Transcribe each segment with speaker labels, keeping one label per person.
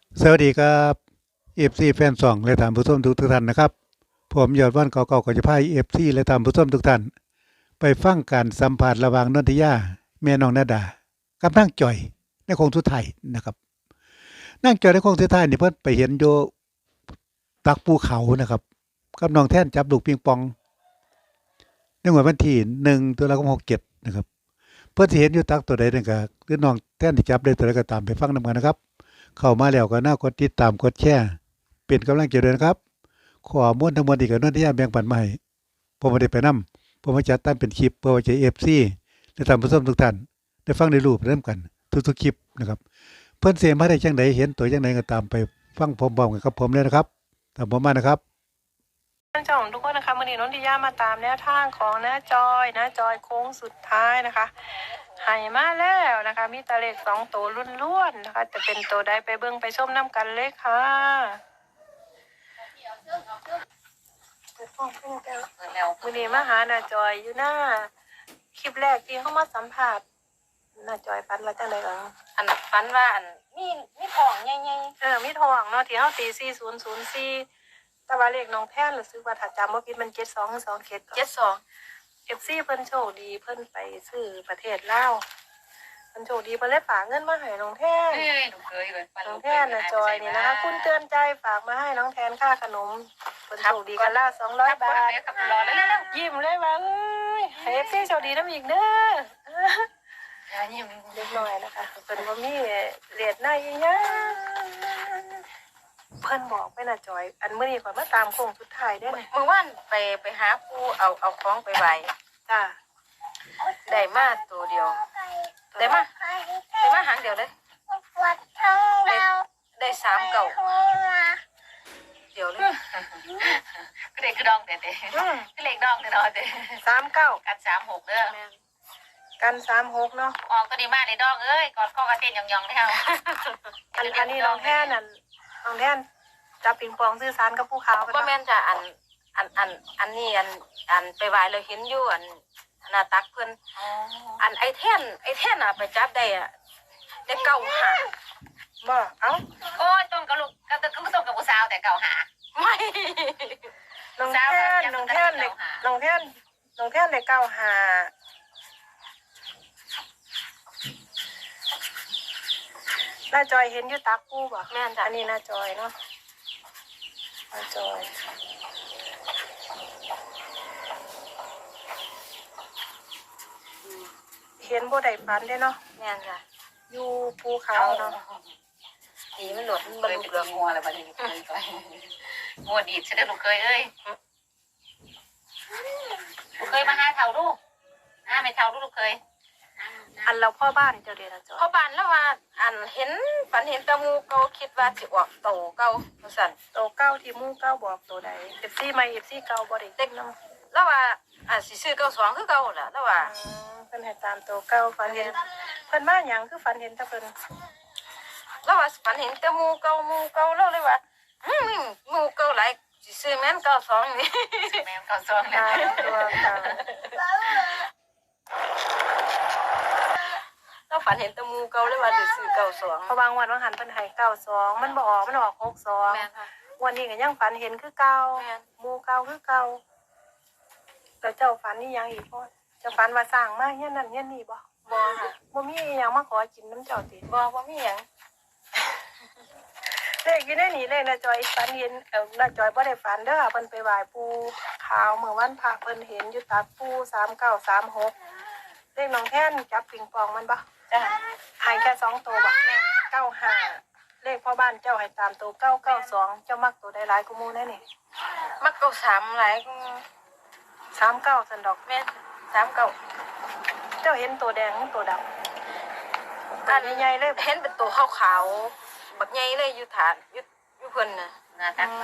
Speaker 1: สวัสดีครับเอฟซีแฟนซองและท่านผู้ชมทุกท่านนะครับผมยอดวันเก่าๆก็จะพาเอฟซีและท่านผู้ชมทุกท่านไปฟังการสัมภาษณ์ระหว่างนนทิยาแม่น้องนาดากับนางจ่อยในโค้งสุดท้ายนะครับนางจ่อยในโค้งสุดท้ายนี่เพิ่นไปเห็นอยู่ตักภูเขานะครับกับน้องแท่นจับลูกปิงปองในงวดวันที่1 ตุลาคม 67นะครับเพิ่นสิเห็นอยู่ตักตัวใดนั่นก็คือน้องแท่นที่จับได้ตัวใดก็ตามไปฟังนำกันนะครับเข้ามาแล้วก็น่ากดติดตามกดแชร์เป็นกำลังใจด้วยนะครับ ข้อมูลทั้งหมดนี่ก็นนทิยาแบ่งปันมาให้ผมบ่ได้ไปนำผมมาจัดทำเป็นคลิปเพื่อไว้ใช้ FC และท่านผู้ชมทุกท่านได้ฟังได้รู้ไปนำกันทุกๆคลิปนะครับเพิ่นสิมาได้จังไดเห็นตัวจังไดก็ตามไปฟังพร้อมๆกันกับผมเลยนะครับตามผมมานะครับ
Speaker 2: ท่านเจ้าของทุกคนนะคะวันนี้นนทิยามาตามแนวทางของน้าจอยโค้งสุดท้ายนะคะให้มาแล้วนะคะมีตะเลข2 ตัวล้วนๆนะคะจะเป็นตัวใดไปเบิ่งไปชมน้ำกันเลยค่ะเปิดห้องเพิ่งแก้ววันนี้มาหาน้าจอยอยู่หน้าคลิปแรกที่เขามาสัมภาษณ์น้าจอยฝันว่าจังได๋
Speaker 3: อันฝันว่าอันมีของใหญ่
Speaker 2: มีทองเนาะที่เฮาตี4004แต่ว่าเลขน้องแท่นรู้สึกว่าถ้าจำบ่ผิดมัน72หรือ27
Speaker 3: 72
Speaker 2: FC เพิ่นโชคดีเพิ่นไปซื้อประเทศลาวเพิ่นโชคดีเพิ่นเลยฝากเงินมาให้น้องแทน
Speaker 3: ลูกเคยเลย
Speaker 2: น้องแทนน่ะจอยนี่นะคะคุณเตือนใจฝากมาให้น้องแทนค่าขนมเพิ่นโชคดีกันละ200 บาท
Speaker 3: กับรอแล้ว
Speaker 2: ยิ้มเลยว่าเอ้ยให้ FC โชคดีนำอีกเด้อ
Speaker 3: ยิ้ม
Speaker 2: เล็กน้อยนะคะเพิ่นบ่มีเรทหน้าอีหยังเพิ่นบอกไปน่ะจอยอันมื้อนี้ข่อยมาตามโค้งสุดท้ายเด้อเนี่ย
Speaker 3: เมื่อวานไปหาปูเอาของไปไหว้
Speaker 2: จ้า
Speaker 3: ได้มาตัวเดียวได้มาหางเดียวเลยได้3 เก่าเดียวเลยก็เด็กกระดองเด็ดก็เล็กดองเด็ดเด็ด
Speaker 2: 39
Speaker 3: กัน36เด้อ
Speaker 2: กัน36เนาะ
Speaker 3: ออกตัวนี้มาในดองเอ้ยกอดข้อกระเต้นยองๆแล้ว
Speaker 2: อันนี้น้องแท่นนั่นน้องแท่นจับปิงปองซื้อสารกับผู้ขาว
Speaker 3: บ่แม่นจ้ะอันนี้อันไปไหว้เลยเห็นอยู่อันหน้าตักเพิ่นอันไอ้แท่นอ่ะไปจับได้อ่ะได้เก่าหา
Speaker 2: บ่เอ้า
Speaker 3: โอ้ยต้นกับลูกก็ต้นกับผู้สาวแต่เก่าหาไม่
Speaker 2: น้องแท่นเด็กน้องแท่นเด็กเก้าหาน้าจอยเห็นอยู่ตักปูบ่
Speaker 3: แม่นจ้ะ
Speaker 2: อันนี้น้าจอยเนาะน้าจอยเห็นบ่ได้ฝันเด้เนาะ
Speaker 3: แม่นจ้ะ
Speaker 2: อยู่ภูเขาเนาะ
Speaker 3: นี่มันหลดมันบรรลุเรื่องงัวอะไรบัดนี้งัวดีดใช่ไหมลูกเคยเอ้ยลูกเคยมาหาเท่าลูกไม่เท่าลูกเคย
Speaker 2: อันเราพ่อบ้านเจ้าเดชนะจอย
Speaker 3: พ่อบ้านแล้วว่าอันเห็นฝันเห็นตะมูเก่าคิดว่าสิออกโตเก่าสั่น
Speaker 2: โตเก้าที่มู่เก้าบอกตัวใดFCใหม่ FC เก่าบ่ได้
Speaker 3: เด็กนำแล้วว่าสิซื้อ92คือเก่าล่ะแล้วว่า
Speaker 2: เพิ่นให้ตามตัวเก้าฝันเห็นเพิ่นมาหยังคือฝันเห็นแต่เพิ่น
Speaker 3: แล้วว่าฝันเห็นแต่หมูเก่าแล้วเลยว่าหมูเก่าหลายสิซื้อแม่น92นี่แม่น92แล้ว
Speaker 2: ตัวเก่า
Speaker 3: เราฝันเห็นแต่หมูเก่าเลยว่าสิซื้อ92
Speaker 2: เพราะบางวันว่าหันเพิ่นให้92มันบ่ออกมันออก62
Speaker 3: แม่นค่ะ
Speaker 2: วันนี้ก็ยังฝันเห็นคือเก่าหมู่เก่าคือเก่าแล้วเจ้าฝันนี่ยังอีกบ่เจ้าฝันว่าสร้างมาเฮียนนั่นเฮียนนี่บ่
Speaker 3: ค่ะ
Speaker 2: บ่มีหยังมาขอกินน้ำเจ้าติ
Speaker 3: บ่มีหยัง
Speaker 2: เลขอยู่ในนี้เลขน้าจอยฝันเห็นน้าจอยบ่ได้ฝันเด้อเพิ่นไปไหว้ปู่ขาวเมื่อวันพระเพิ่นเห็นอยู่ตักปู่3936เลขน้องแท่นจับปิงปองมันบ่
Speaker 3: จ้ะ
Speaker 2: ให้แค่2ตัวบ่95เลขพ่อบ้านเจ้าให้ตามตัว992เจ้ามักตัวใดหลายกว่าหมู่แน่นี่
Speaker 3: มัก93หลาย
Speaker 2: 39ซั่นดอก
Speaker 3: แม่น39
Speaker 2: เจ้าเห็นตัวแดงตัวดำอันใหญ่ๆเลย
Speaker 3: เห็นเป็นตัวขาวๆบักใหญ่เลยอยู่ฐานอยู่เพิ่นน่ะหน้าตัก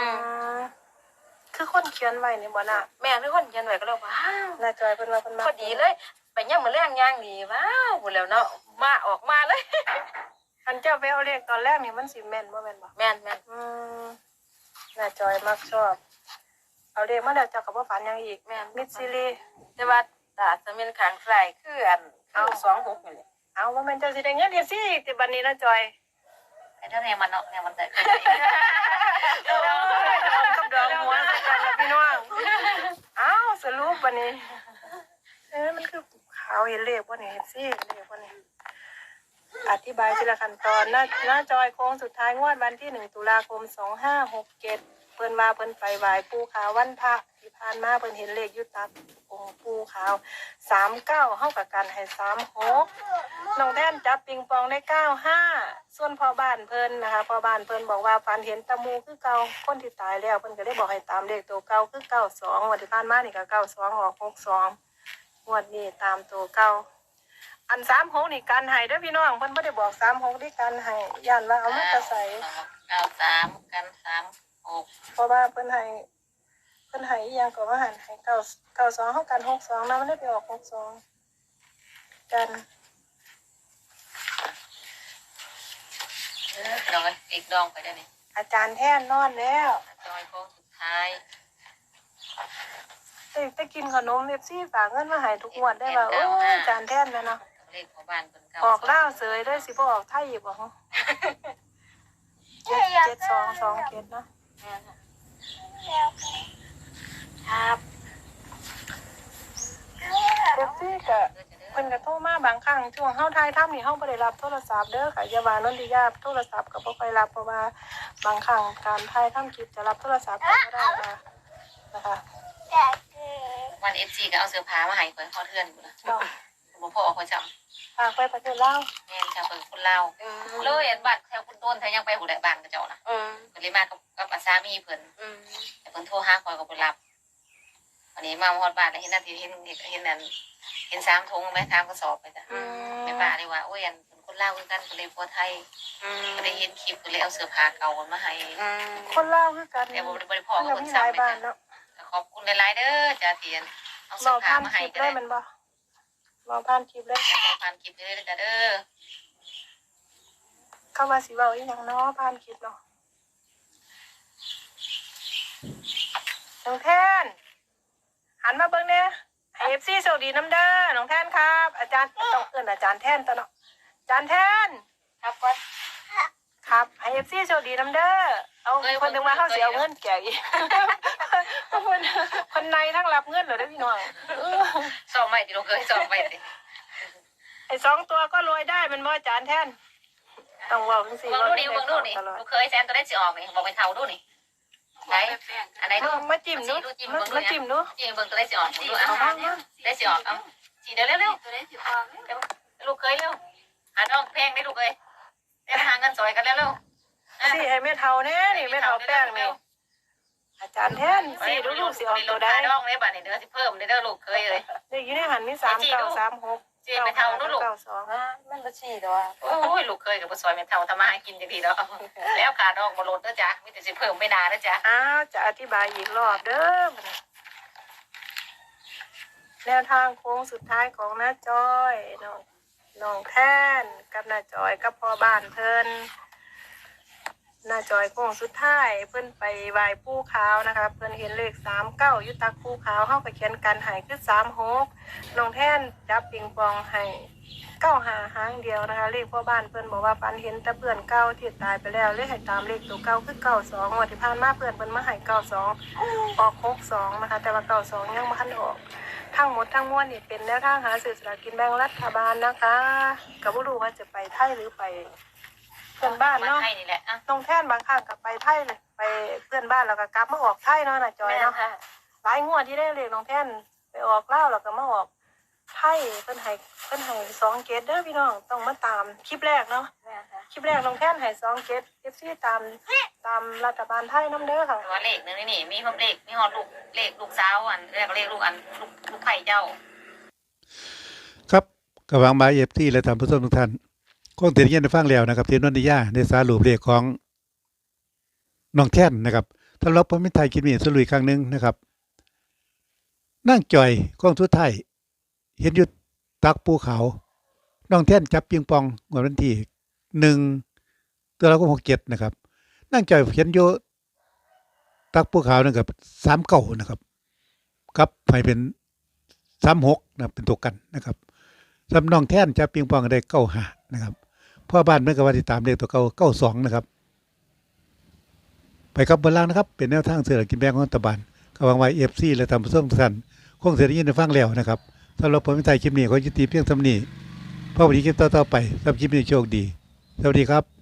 Speaker 2: คือคนเขียนไว้นี่บ่น่ะ
Speaker 3: แม่คือคนเขียนไว้ก็เลยว้าว
Speaker 2: น่าจอยเพิ่นว่าเพิ่นมา
Speaker 3: พอดีเลยไปย่ำมื้อแรงย่างดีว้าวพูดแล้วเนาะมาออกมาเลย
Speaker 2: อันเจ้าไปเอาเลขตอนแรกนี่มันสิแม่นบ่แม่นบ่
Speaker 3: แม่น
Speaker 2: น่าจอยมักชอบเอาเลขมาแล้วเจ้าก็บ่ฝันหยังอีก
Speaker 3: แม่น
Speaker 2: มิดซิลี
Speaker 3: แต่ว่าตาจะเป็นข้างซ้ายคืออันเอา26นี่แหละ
Speaker 2: เอาว่าแม่นเจ้าสิได้เงินเฮ็ดสิติบัดนี้น่าจอย
Speaker 3: ไอ้เท่านี้มันเนาะเนี่ยมันได้
Speaker 2: ดองกับดองหัวใส่กันแล้วพี่น้องอ้าวสรุปวันนี้มันคือขาวเห็นเลขว่านี่เห็นซี่เลขว่านี่อธิบายทีละขั้นตอนหน้าจอยโค้งสุดท้ายงวดวันที่1 ตุลาคม 2567เพิ่นว่าเพิ่นไปไหว้ปู่ขาววันพระที่ผ่านมาเพิ่นเห็นเลขอยู่ตักองค์ปู่ขาว39เฮากับกันให้36น้องแท่นจับปิงปองได้95ส่วนพ่อบ้านเพิ่นนะคะพ่อบ้านเพิ่นบอกว่าฝันเห็นตะมูคือเก่าคนที่ตายแล้วเพิ่นก็ได้บอกให้ตามเลขตัวเก่าคือ92วันที่ผ่านมานี่ก็92ออก62งวดนี้ตามตัวเก่าอัน36นี่กันให้เด้อพี่น้องเพิ่นบ่ได้บอก36ที่กันให้ย่านว่าเอามาจะใส่
Speaker 3: 93กัน36
Speaker 2: เพราะว่าเพิ่นให้อีหยังก็ว่าหันให้92เฮากัน62นะมันได้ไปออก62กัน
Speaker 3: ดองอีกดองไปได้นี่
Speaker 2: อาจารย์แท่นนอนแล้ว
Speaker 3: จอยโค้งสุดท้าย
Speaker 2: ไปกินขนมเอฟซีฝากเงินมาให้ทุกงวดได้ว่าโอ้ยอาจารย์แท่นแม่เนาะ
Speaker 3: เลขของบ้านเพิ่นเก่า
Speaker 2: ออกลาวเสยด้วยสิบ่ออกไทยอีกบ่ฮะ7227เนาะ
Speaker 3: ครับ
Speaker 2: เอฟซีก็เพิ่นก็โทรมาบางครั้งช่วงเฮาถ่ายทำนี่เฮาบ่ได้รับโทรศัพท์เด้อค่ะอย่าว่านนทิยาโทรศัพท์ก็บ่ค่อยรับเพราะว่าบางครั้งการถ่ายทำคลิปจะรับโทรศัพท์ก็บ่ได้นะคะ
Speaker 3: วัน FC ก็เอาเสื้อผ้ามาให้ข่อยฮอดเทือนพุ่นน่ะ
Speaker 2: เนาะ
Speaker 3: บ่พอข่อยจำ
Speaker 2: ฝากไปประเทศลาว
Speaker 3: แม่นจ้ะเพิ่นคนลาวเลยอันบ้านแถวคุณต้นแถวยังไปหูได้บ้านกับเจ้าน่ะเพิ่นเลยมากับสามีเพิ่นแต่เพิ่นโทรหาข่อยก็บ่รับวันนี้มาฮอดบ้านแล้วเห็นนั่นที่เห็นนั่นเห็น3ถุงแม่3กระสอบไปจ้ะแม่ป้าเลยว่าโอ้ยอันเพิ่นคนลาวคือกันก็เลยผัวไทยก็ได้เห็นคลิปก็เลยเอาเสื้อผ้าเก่ามาให้
Speaker 2: คนลาวคือกัน
Speaker 3: แต่บ่ได้พอกับ
Speaker 2: ยั
Speaker 3: เพิ่น
Speaker 2: มีห
Speaker 3: ซ้ำ
Speaker 2: ลาย
Speaker 3: ไป
Speaker 2: บ้าน
Speaker 3: จ้ะ
Speaker 2: เนาะ
Speaker 3: ขอบคุณหลายๆเด้อจ้าเตียนเอา
Speaker 2: ร
Speaker 3: เสื้
Speaker 2: อ
Speaker 3: อผ้า
Speaker 2: ผ่าน
Speaker 3: มา
Speaker 2: ค
Speaker 3: ให้
Speaker 2: ลิป
Speaker 3: ก็
Speaker 2: ได้
Speaker 3: ได้
Speaker 2: มันบ่รอผ่านคลิปเลย
Speaker 3: จะผ่านคลิปเด้อจ้าเด้อ
Speaker 2: เข้ามาสิเว้าอีหยังเนาะผ่านคลิปเนาะน้องแทนหันมาเบิ่งเนี่ยให้ FC โชคดีน้ำเด้อน้องแทนครับ อาจารย์ต้องเอิ้นอาจารย์แทนตัวเนาะอาจารย์แทน
Speaker 3: ครับก่อน
Speaker 2: ครับให้ FC โชคดีน้ำเด้อเอาคนถึงมาเฮาสิเอาเงินแจกอีกคนในทั้งรับเงินเหรอเด้อพี่น้อง
Speaker 3: สอบใหม่ดิลูกเอ้ยสอบใหม่สิ
Speaker 2: ไอ้2ตัวก็รวยได้มันบ่อาจารย์แทนต้องเว้าจังซี่
Speaker 3: เบิ่งดูดิเบิ่งดูนี่ลูกเคยแซนตัวได้สิออกนี่บอกไปเท่าดูนี่ไหนอันไหนดู
Speaker 2: มาจิ้มดูมาจิ้มดู
Speaker 3: จิ้มเบิ่งตัวได้สิออกดูเอาได้สิออกเอาสิเดี๋ยวเร็วๆตัวได้สิออกลูกเคยเร็วหาน้องแพงได้ลูกเอ้ยได้หาเงินซอยกันแล้วเร็ว
Speaker 2: สิให้แม่เฒ่าแน่นี่แม่เฒ่าแป้งนี่อาจารย์แทนสิดูลูกสิออกตัวใด
Speaker 3: น้องได้บัดนี้เด้อสิเพิ่มเด้อลูกเคยเลย
Speaker 2: นี่อยู่ในหันมี3936
Speaker 3: จีไปเท่านู้นลูก
Speaker 2: 92
Speaker 3: มันบ่ชี้ดอกโอ้ยลูกเคยกับบ่ซอยแม่เท่าทำมาหากินจังซี่ดอกแล้วขาดอกบ่ลดเด้อจ้ะมีแต่สิเพิ่มไม่นานเด้อจ้ะ
Speaker 2: อ้าวจะอธิบายอีกรอบเด้อแนวทางโค้งสุดท้ายของน้าจอยน้องแท่นกับน้าจอยกับพ่อบ้านเพิ่นน้าจอยโค้งสุดท้ายเพิ่นไปไหว้ปู่ขาวนะคะเพิ่นเห็นเลข39อยู่ตักปู่ขาวเฮาก็เขียนกันให้คือ36น้องแท่นจับปิงปองให้95หางเดียวนะคะเลขพ่อบ้านเพิ่นบอกว่าฝันเห็นแต่เพื่อนเก่าที่ตายไปแล้วเลยให้ตามเลขตัวเก่าคือ92งวดที่ผ่านมาเพื่อนเพิ่นมาให้92ออก62นะคะแต่ว่า92ยังบ่ทันออกทั้งหมดทั้งมวลนี่เป็นแนวทางหาซื้อสลากกินแบ่งรัฐบาลนะคะก็บ่รู้ว่าจะไปไทยหรือไปเพื่อนบ้านเนาะ
Speaker 3: ให้นี่แหละอ่ะ
Speaker 2: น้องแท่นบางครั้งก็ไปไทยเลยไปเพื่อนบ้านแล้วก็กลับมาออกไทยเนาะน่ะจอยเนาะหลายงวดที่ได้เลขน้องแท่นไปออกลาวแล้วก็มาออกไทยเพิ่นให้2เกตเด้อพี่น้องต้องมาตามคลิปแรกเนาะคลิปแรกน้องแท่นให้2เกต FC ตามรัฐบาลไทยนำเด้อค่ะ
Speaker 3: ตัวเลขนึงนี่มีพร้อมเลขมีฮอดลูกเลขลูกสาวอันเรียกเลขลูกอันลูกไผ่เจ้า
Speaker 1: ครับกับวางบายเอฟซีและท่านผู้ชมทุกท่านคงได้ยินได้ฟังแล้วนะครับที่นนทิยาได้สารุปเลขของน้องแท่นนะครับสำหรับผมเป็นไทยคิดมีสรุปอีกครั้งหนึงนะครับนั่งจ่อยของสุดท้ายเห็นอยู่ตักภูเขาน้องแท่นจับปิงปองวันที่1ตุลาคม67นะครับนั่งจ่อยเห็นอยู่ตักภูเขานั่นกับ39นะครับกับไปเป็น36นะเป็นตัวกันนะครับสำน้องแท่นจับปิงปองได้95นะครับพ่อบ้านเมื่อกับว่าติดตามเลขตัวเก่า92นะครับไปครับเบนล่างนะครับเป็นแนวทางเสือกินแบงของรัฐบาลกำลังไว้FC และทำผู้ชมทุกท่านคงเสียได้ยินได้ฟังแล้วนะครับสำหรับผมในคลิปนี้ขอยุติเพียงเท่านี้พบกันในคลิปต่อๆไปสำหรับคลิปนี้โชคดีสวัสดีครับ